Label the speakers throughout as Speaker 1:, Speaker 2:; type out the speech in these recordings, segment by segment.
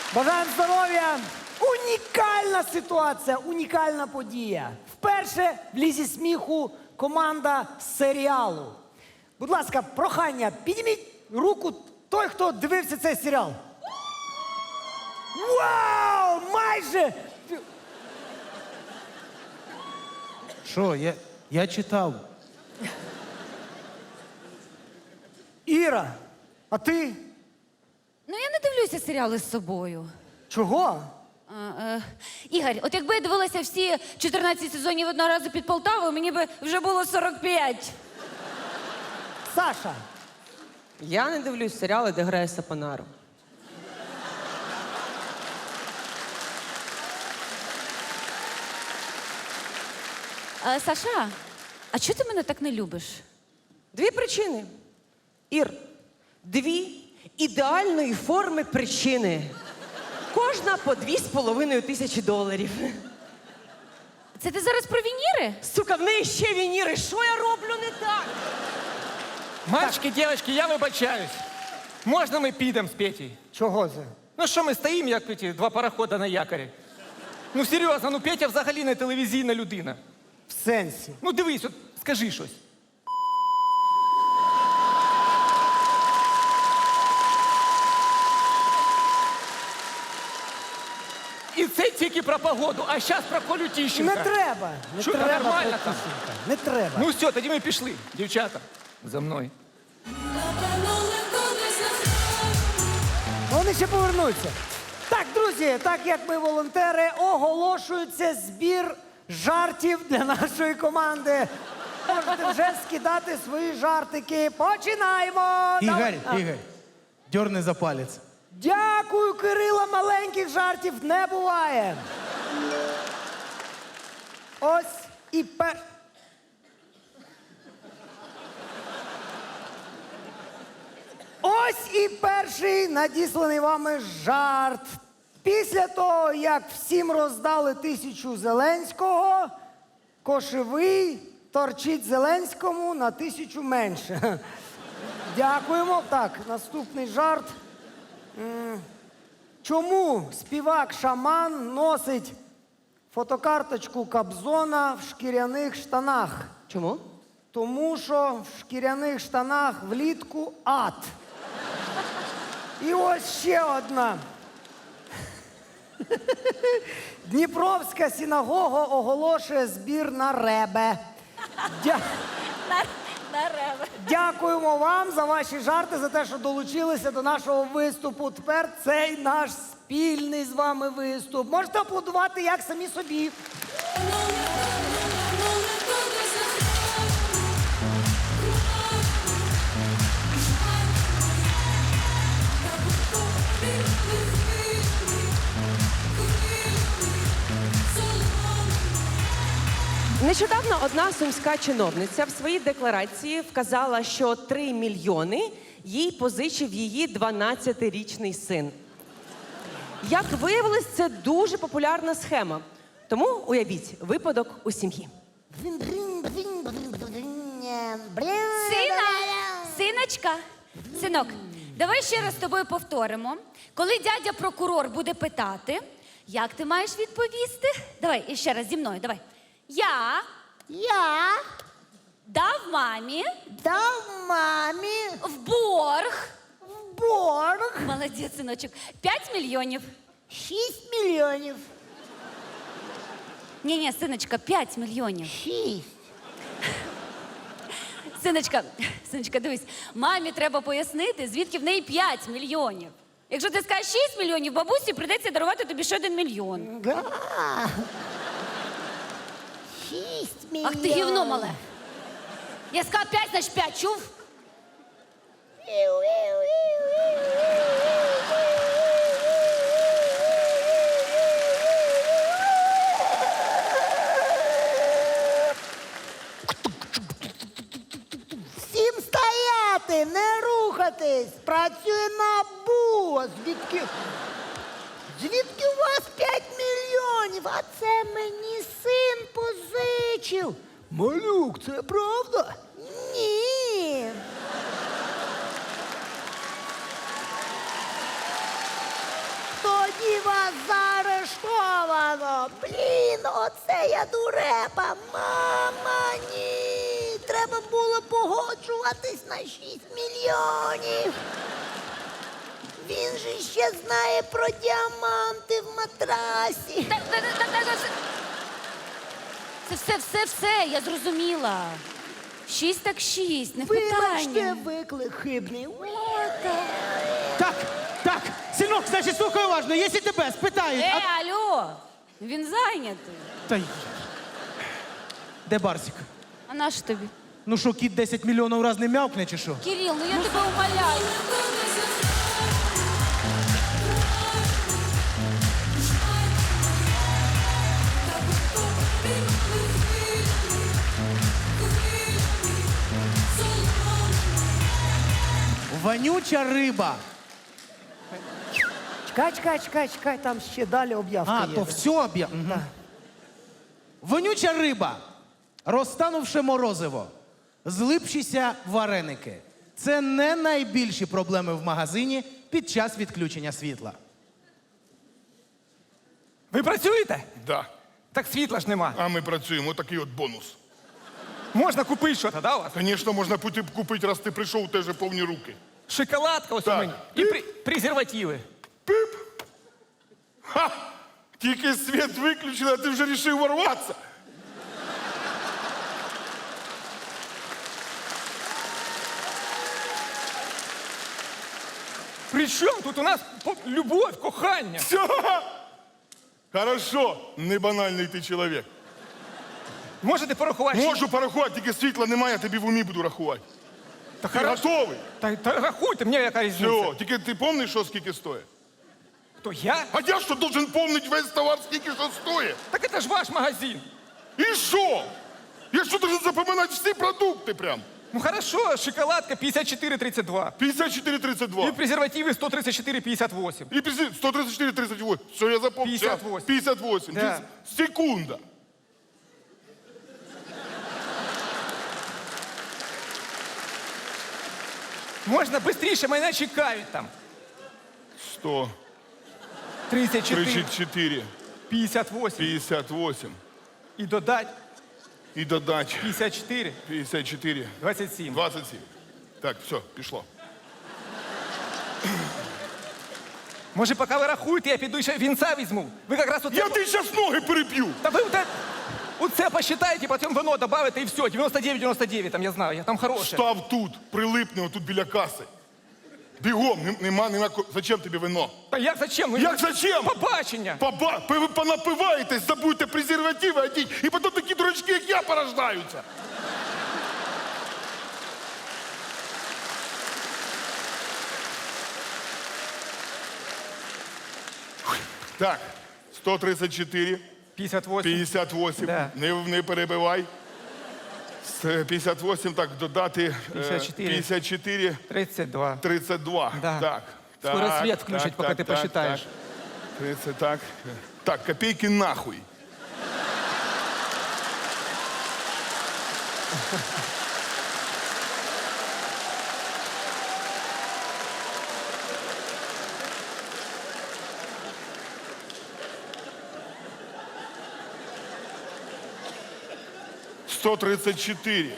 Speaker 1: Бажаємо здоров'я! Унікальна ситуація, унікальна подія. Вперше в лізі сміху команда з серіалу. Будь ласка, прохання, підніміть руку той, хто дивився цей серіал. Вау! Майже!
Speaker 2: Що, я читав.
Speaker 1: Іра, а ти?
Speaker 3: Ну, я не дивлюся серіали з собою.
Speaker 1: Чого?
Speaker 3: Ігор, от якби я дивилася всі 14 сезонів одного разу під Полтавою, мені би вже було 45.
Speaker 1: Саша.
Speaker 4: Я не дивлюсь серіали, де грає Сапонаро.
Speaker 3: Саша, а чого ти мене так не любиш?
Speaker 4: Дві причини. Ір, дві ідеальної форми причини. Кожна по $2500.
Speaker 3: Це ти зараз про вініри?
Speaker 4: Сука, в неї ще вініри. Що я роблю не так?
Speaker 5: Мальчики, девочки, я вибачаюсь. Можна ми підемо з Петей?
Speaker 1: Чого це?
Speaker 5: Ну що ми стоїмо, як ці два парохода на якорі? Ну серйозно, ну Петя взагалі не телевізійна людина.
Speaker 1: В сенсі.
Speaker 5: Ну дивись, от скажи щось. І це тільки про погоду, а зараз про Колю Тіщенка.
Speaker 1: Не треба. Не
Speaker 5: Що, та
Speaker 1: треба,
Speaker 5: нормально там?
Speaker 1: Петюшенька, не треба.
Speaker 5: Ну все, тоді ми пішли. Дівчата, за мною.
Speaker 1: Вони ще повернуться. Так, друзі, так як ми волонтери, оголошується збір жартів для нашої команди. Можете вже скидати свої жартики. Починаємо!
Speaker 2: Ігор,
Speaker 1: А,
Speaker 2: Ігор, дьорни за палець.
Speaker 1: Дякую, Кирила, маленьких жартів не буває. Ось і Ось і перший надісланий вами жарт. Після того, як всім роздали 1000 Зеленського, Кошевий торчить Зеленському на 1000 менше. Дякуємо. Так, наступний жарт. Чому співак-шаман носить фотокарточку Кобзона в шкіряних штанах?
Speaker 4: Чому?
Speaker 1: Тому що в шкіряних штанах влітку ад. І ось ще одна. Дніпровська синагога оголошує збір на ребе. Дякуємо вам за ваші жарти, за те, що долучилися до нашого виступу. Тепер цей наш спільний з вами виступ. Можете аплодувати як самі собі.
Speaker 4: Нещодавно одна сумська чиновниця в своїй декларації вказала, що 3 мільйони їй позичив її 12-річний син. Як виявилось, це дуже популярна схема. Тому уявіть випадок у сім'ї.
Speaker 3: Синочка, синок, давай ще раз з тобою повторимо. Коли дядя прокурор буде питати, як ти маєш відповісти? Давай, іще раз зі мною, давай. Я дав мамі в борг. Молодець, синочок. 5 мільйонів.
Speaker 1: 6 мільйонів.
Speaker 3: Ні, синочка, 5 мільйонів.
Speaker 1: 6.
Speaker 3: Синочка, дивись, мамі треба пояснити, звідки в неї 5 мільйонів. Якщо ти скажеш 6 мільйонів, бабусі прийдеться дарувати тобі ще 1 мільйон.
Speaker 1: Да. 6 мільйонів.
Speaker 3: Ах ти гівно мале. Я сказала 5, значить 5, чув?
Speaker 1: Всім стояти, не рухатись. Працює НАБУ. Звідки у вас 5 мільйонів? А це мені син позичив. Малюк, це правда? Ні. Діва заарештовано. Блін, оце я дурепа. Мама, ні. Треба було погоджуватись на 6 мільйонів. Він же ще знає про діаманти в матрасі.
Speaker 3: Це все, я зрозуміла. 6 так 6, не питання.
Speaker 1: Вибачте, виклик хибний.
Speaker 2: Так, синок, значить, слухай уважно, якщо тебе спитають,
Speaker 3: Алло, він зайнятий.
Speaker 2: Та й... Де Барсик?
Speaker 3: А на що тобі?
Speaker 2: Ну що, кіт 10 мільйонів раз не м'явкне, чи що?
Speaker 3: Кирил, ну я тебе умоляю.
Speaker 2: Вонюча риба.
Speaker 1: Чекай, там ще далі об'явка є.
Speaker 2: То все об'я... Вонюча риба, розтанувши морозиво, злипшіся вареники. Це не найбільші проблеми в магазині під час відключення світла.
Speaker 5: Ви працюєте?
Speaker 6: Да.
Speaker 5: Так світла ж нема.
Speaker 6: А ми працюємо, такий от бонус.
Speaker 5: Можна купити щось, да, у вас?
Speaker 6: Звісно, можна купити, раз ти прийшов, у тебе же повні руки.
Speaker 5: Шоколадка ось у
Speaker 6: Так.
Speaker 5: мені. І презервативи.
Speaker 6: Пип! Ха! Тільки світ виключили, а ти вже вирішив ворватися.
Speaker 5: При чому тут у нас любов, кохання?
Speaker 6: Все! Хорошо, не банальний ти чоловік.
Speaker 5: Можете порахувати?
Speaker 6: Можу порахувати, тільки світла немає, я тобі в умі буду рахувати.
Speaker 5: Та
Speaker 6: Ти
Speaker 5: хорошо.
Speaker 6: готовий?
Speaker 5: Та рахуйте, мені яка різниця.
Speaker 6: Все, тільки ти пам'ятаєш, що скільки стоїть?
Speaker 5: Хто, я?
Speaker 6: А я що, должен пам'ятати весь товар, скільки що стоїть?
Speaker 5: Так це ж ваш магазин.
Speaker 6: І що? Я що, должен запам'ятати всі продукти прям?
Speaker 5: Ну хорошо, шоколадка 54,32.
Speaker 6: 54,32.
Speaker 5: І презервативи 134,58.
Speaker 6: И 134-38. Все, я запомнил.
Speaker 5: 58.
Speaker 6: 58.
Speaker 5: Да.
Speaker 6: Секунда.
Speaker 5: Можна швидше, мене чекають там.
Speaker 6: 100,
Speaker 5: 34,
Speaker 6: 34,
Speaker 5: 58.
Speaker 6: 58.
Speaker 5: І додать
Speaker 6: І додать
Speaker 5: 54,
Speaker 6: 54,
Speaker 5: 27.
Speaker 6: 27. Так, все, пішло.
Speaker 5: Може, поки ви рахуєте, я піду ще вінця візьму. Ви якраз оце...
Speaker 6: Я ти зараз ноги переб'ю.
Speaker 5: Та ви оце посчитаєте, потім вино добавите і все. 99,99 там, я знаю, я там хороше.
Speaker 6: Став тут, прилипни отут біля каси. Бігом, нема. Зачем тобі вино?
Speaker 5: Та як зачем? Ну,
Speaker 6: Як зачем?
Speaker 5: Побачення.
Speaker 6: Ви понапиваєтесь, забудьте презервативи одіть, і потім такі дурачки, як я, порождаються. Так, 134,
Speaker 5: 58.
Speaker 6: 58,
Speaker 5: Да.
Speaker 6: не перебивай. 58, так, додати
Speaker 5: 54.
Speaker 6: 54,
Speaker 5: 32.
Speaker 6: 32.
Speaker 5: Да.
Speaker 6: Так.
Speaker 5: Скоро
Speaker 6: так,
Speaker 5: свет включать, пока ты посчитаешь.
Speaker 6: Так. 30, так. Так, копейки нахуй. – 134.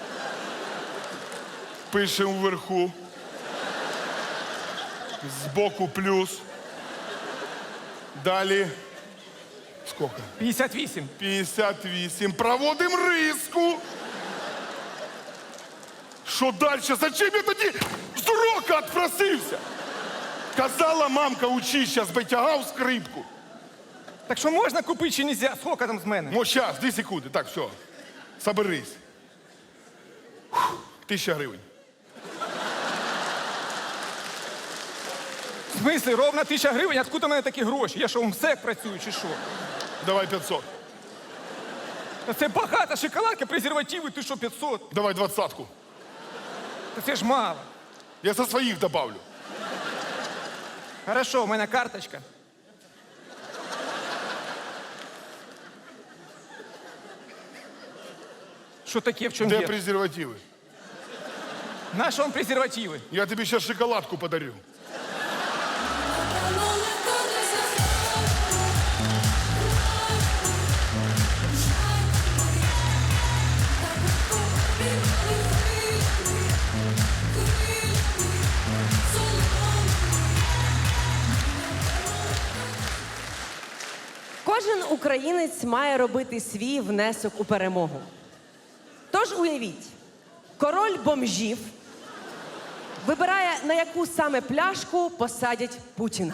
Speaker 6: Пишемо вверху. Збоку плюс. Далі. Скільки?
Speaker 5: 58.
Speaker 6: 58. Проводимо риску. Що далі? Зачем я тоді з урока відпросився? Казала мамка, учись, зараз би тягав скрипку.
Speaker 5: Так що можна купити чи нельзя? Скільки там з мене?
Speaker 6: Ну, зараз, 2 секунди. Так, все. Соберись. 1000 гривень.
Speaker 5: В смислі, ровно 1000 гривень? Откуда в мене такі гроші? Я що, в МСЕК працюю чи що?
Speaker 6: Давай 500.
Speaker 5: Та це багато, шоколадка, презервативи, ти що, 500?
Speaker 6: Давай 20-ку.
Speaker 5: Та це ж мало.
Speaker 6: Я со своїх добавлю.
Speaker 5: Хорошо, у мене карточка. Що таке, в чому
Speaker 6: Де
Speaker 5: є?
Speaker 6: презервативи?
Speaker 5: Наші вам презервативи.
Speaker 6: Я тобі зараз шоколадку подарю.
Speaker 7: All the colors of
Speaker 4: Кожен українець має робити свій внесок у перемогу. Тож уявіть, король бомжів вибирає, на яку саме пляшку посадять Путіна.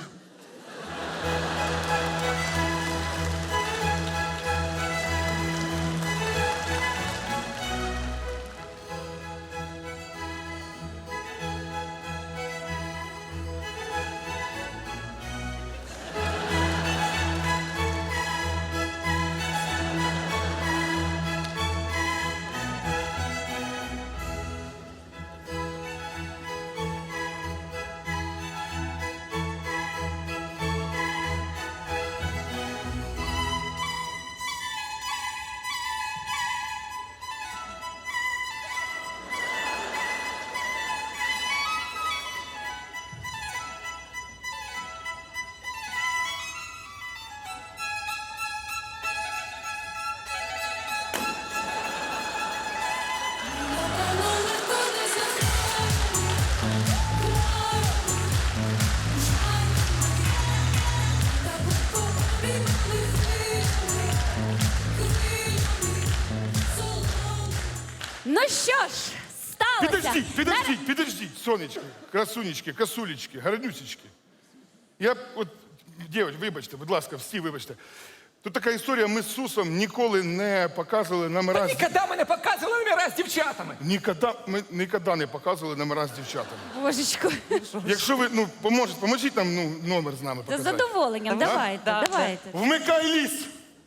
Speaker 3: Ну що ж, сталося.
Speaker 6: Підождіть, сонечки, красунечки, косулечки, гарнюсечки. Я от, дівчата, вибачте, будь ласка, всі вибачте. Тут така історія, ми з Сусом ніколи не показували номера з...
Speaker 5: Ніколи ми не показували номера з дівчатами.
Speaker 6: Ми ніколи не показували номера з дівчатами.
Speaker 3: Божечко,
Speaker 6: Якщо ви, поможіть нам номер з нами
Speaker 3: з
Speaker 6: показати.
Speaker 3: задоволенням, давайте,
Speaker 4: Да,
Speaker 3: давайте.
Speaker 6: Вмикай ліс!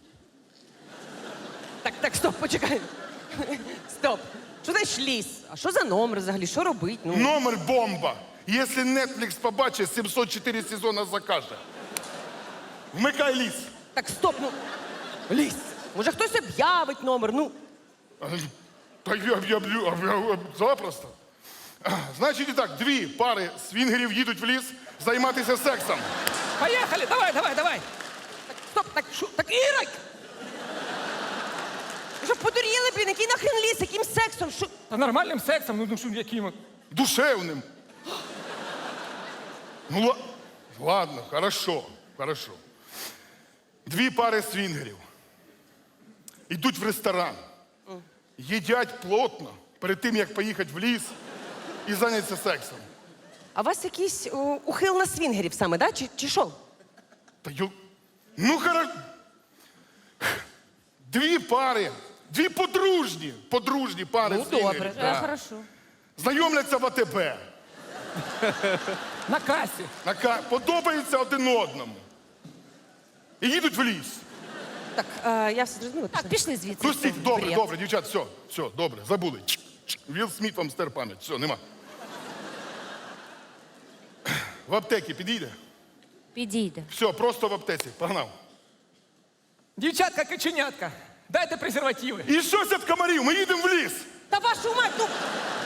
Speaker 4: Так, стоп, почекай. Стоп. Що значить ліс? А що за номер взагалі? Що робить? Ну,
Speaker 6: Номер бомба! Якщо Netflix побачить, 704 сезона закаже. Вмикай ліс!
Speaker 4: так, стоп, ну. Ліс. Може хтось об'явить номер, ну.
Speaker 6: Та я запросто. Значить і так, 2 пари свінгерів їдуть в ліс займатися сексом.
Speaker 5: Поїхали, давай.
Speaker 4: Стоп, так Ірик! Ви що подуріли, блін, який нахрен ліс, яким сексом? Що?
Speaker 5: Та нормальним сексом, ну що, яким?
Speaker 6: Душевним. Ладно, хорошо. 2 пари свінгерів. Йдуть в ресторан. Їдять плотно перед тим, як поїхати в ліс і зайнятися сексом.
Speaker 4: А у вас якийсь ухил на свінгерів саме, да? Чи що?
Speaker 6: Та ну, хорошо. 2 пари. 2 подружні пари
Speaker 4: Ну,
Speaker 6: свінгерів.
Speaker 4: добре.
Speaker 6: Да.
Speaker 3: Хорошо.
Speaker 6: Знайомляться в АТБ.
Speaker 5: На касі.
Speaker 6: Подобаються один одному. І їдуть в ліс.
Speaker 4: Так, я все зрозуміла.
Speaker 3: Так, пішли звідси.
Speaker 6: Ну, стій,
Speaker 4: бред.
Speaker 6: добре, дівчат, все, добре, забули. Вілл Сміт вам стер пам'ять, все, нема. В аптекі підійде?
Speaker 3: Підійде.
Speaker 6: Все, просто в аптеці, погнав.
Speaker 5: Дівчатка, каченятка, дайте презервативи.
Speaker 6: І щось від комарів, ми їдемо в ліс.
Speaker 4: Та вашу мать, ну!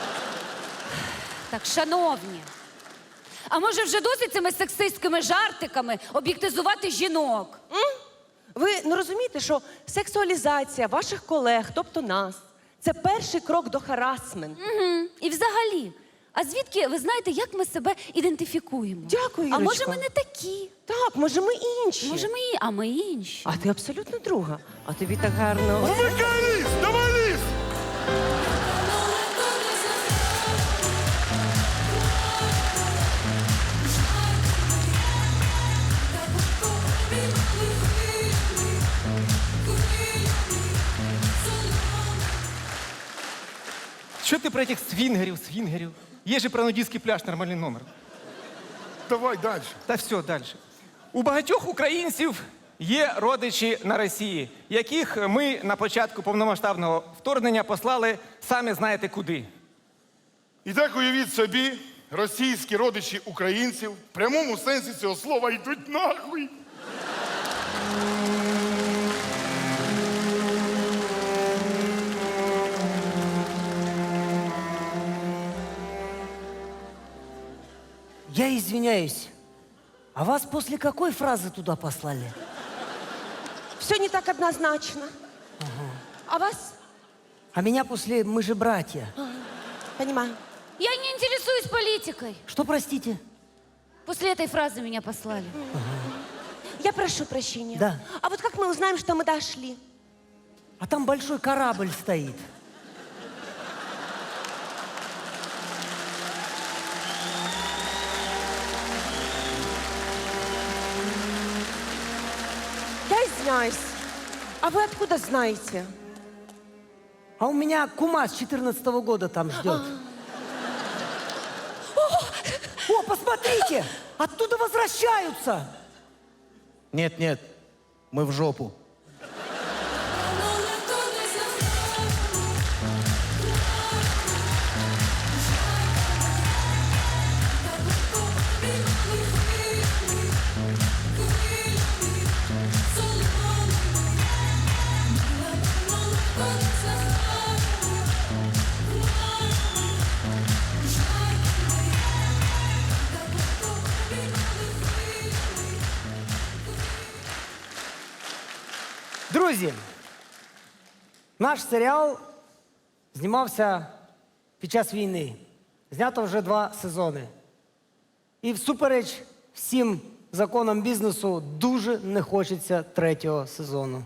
Speaker 3: Так, шановні, а може вже досить цими сексистськими жартиками об'єктизувати жінок?
Speaker 4: Ви не розумієте, що сексуалізація ваших колег, тобто нас, це перший крок до харасменту.
Speaker 3: І взагалі, а звідки ви знаєте, як ми себе ідентифікуємо?
Speaker 4: Дякую,
Speaker 3: А може
Speaker 4: Ірочко.
Speaker 3: ми не такі?
Speaker 4: Так, може ми інші.
Speaker 3: Може ми інші.
Speaker 4: А ти абсолютно друга. А тобі так гарно.
Speaker 6: Вмикай ліс, давай ліс!
Speaker 5: Що ти про цих свінгерів? Є же про нудистський пляж нормальний номер.
Speaker 6: Давай далі.
Speaker 5: Та все, далі. У багатьох українців є родичі на Росії, яких ми на початку повномасштабного вторгнення послали самі знаєте куди.
Speaker 6: І так уявіть собі, російські родичі українців в прямому сенсі цього слова йдуть нахуй.
Speaker 1: Я извиняюсь, а вас после какой фразы туда послали?
Speaker 4: Все не так однозначно. А вас?
Speaker 1: А меня после «Мы же братья».
Speaker 4: Понимаю.
Speaker 3: Я не интересуюсь политикой.
Speaker 1: Что, простите?
Speaker 3: После этой фразы меня послали.
Speaker 4: Я прошу прощения.
Speaker 1: Да.
Speaker 4: А вот как мы узнаем, что мы дошли?
Speaker 1: А там большой корабль стоит.
Speaker 4: Я извиняюсь. А вы откуда знаете?
Speaker 1: А у меня кума с 14-го года там ждет. О, посмотрите! Оттуда возвращаются!
Speaker 2: Нет, нет, мы в жопу.
Speaker 1: Друзі, наш серіал знімався під час війни. Знято вже 2 сезони. І всупереч всім законам бізнесу дуже не хочеться 3-го сезону.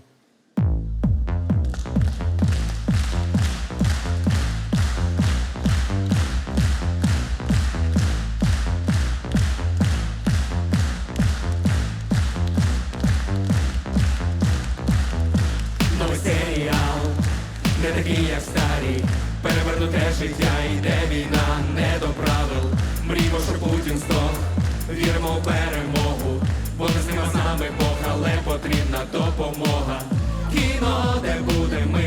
Speaker 7: Новий серіал, не такий, як старі. Перевернуте життя, йде війна, не до правил. Мріємо, що Путін здох, віримо в перемогу. Бо не з ними, з нами Бог, але потрібна допомога. Кіно, де буде ми